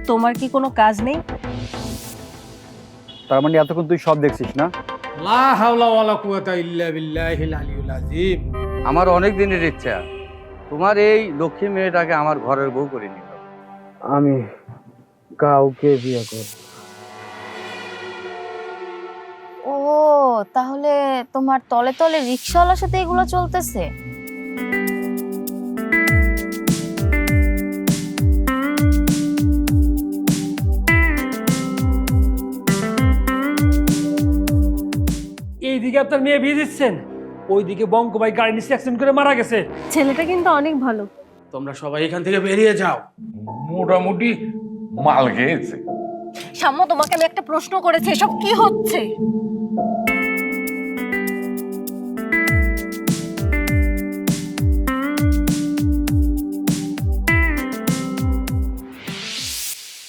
তোমার কি কোনো কাজ নেই? তার মানে এতক্ষণ তুই সব দেখছিস না? লা হাওলা ওয়ালা কুওয়াতা ইল্লা বিল্লাহিল আলিয়্যিল আযীম। আমার অনেক দিনের ইচ্ছা তোমার এই লক্ষ্মী মেয়েটাকে আমার ঘরের বউ করে নিল। আমি কাউকে বিয়ে করব। ও, তাহলে তোমার তলে তলে রিকশাওয়ালার সাথে এগুলো চলতেছে? এইদিকে আপনার মেয়ে বিয়ে দিচ্ছেন, ওইদিকে বঙ্ক ভাই গাড়ি নিচে অ্যাক্সিডেন্ট করে মারা গেছে। ছেলেটা কিন্তু অনেক ভালো। তোমরা সবাই এখান থেকে বেরিয়ে যাও। মোটামুটি মাল খেয়েছে। সাম্য, তোমাকে আমি একটা প্রশ্ন করেছি, এসব কি হচ্ছে?